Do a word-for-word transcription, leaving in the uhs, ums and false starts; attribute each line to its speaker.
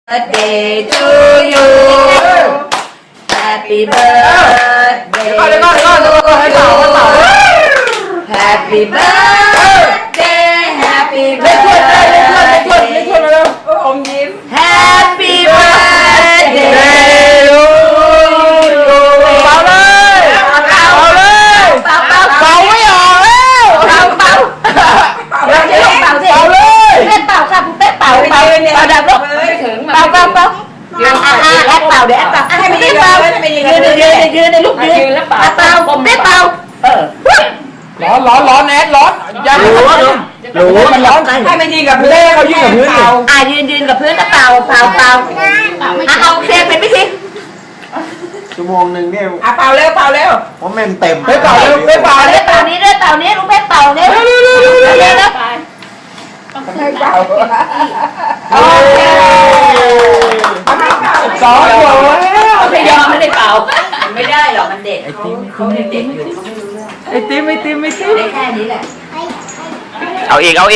Speaker 1: birthday to you Happy birthday
Speaker 2: Để con, để con, để con, hãy bảo, hãy bảo.
Speaker 1: Happy birthday Happy
Speaker 2: Lên chuột đây, lên chuột, lên chuột, lên
Speaker 1: birthday
Speaker 2: chuột vào đâu. Ôngยิ้m.
Speaker 1: Happy birthday
Speaker 2: Bảo lên, bảo lên.
Speaker 1: Bảo bảo
Speaker 2: Bảo mới ở đâu.
Speaker 1: bảo bảo bảo chứ không bảo gì
Speaker 2: Bảo lên.
Speaker 1: Tết bảoค่ะphụ Tết bảo bảo bảo đạp lúc bảo bảo bảo à à ép bảo để ép bảo à hay mình đi bảoยืนยืนยืนในลูกยืนbảo bảo Tết bảo ờ
Speaker 2: ร้อนร้อนร้อนแอดร้อนอย่า
Speaker 1: รู้รู้รู้มันร้อน
Speaker 3: ให้มันยิงกับพื้น
Speaker 2: เล่เขายิงกับพื้นดิ
Speaker 1: อ่ะยืนยืนกับพื้นแล้วเป่าเป่าเป่าอ่ะเอาเค้กเป็นพิธี
Speaker 4: ชั่วโมงหนึ่งเนี่ย
Speaker 3: อ่ะเป่าเร็วเป่าเร็ว
Speaker 4: เพราะแม่งเต็ม
Speaker 2: ไปเป่าเร็วไปเป่า
Speaker 1: เป่า
Speaker 2: เร็
Speaker 1: เนี้
Speaker 2: ว
Speaker 1: เป่านี้ด้วยเป่านี้ลูกเพชรเป่านี้เร็วเร็วเร็วเร็ว
Speaker 3: ให้เป่า
Speaker 1: โอเค
Speaker 2: สองหัวแล้ว
Speaker 1: ไม่ยอมไม่ได้เป่าไม่ได้หรอกมันเด็กเขาเขาเด็กอยู่เขาไม่รู้เรื่อง
Speaker 2: ไอติมไอติมไอติม
Speaker 1: ได้แค่นี้แหละ
Speaker 5: เอาอีกเอาอีก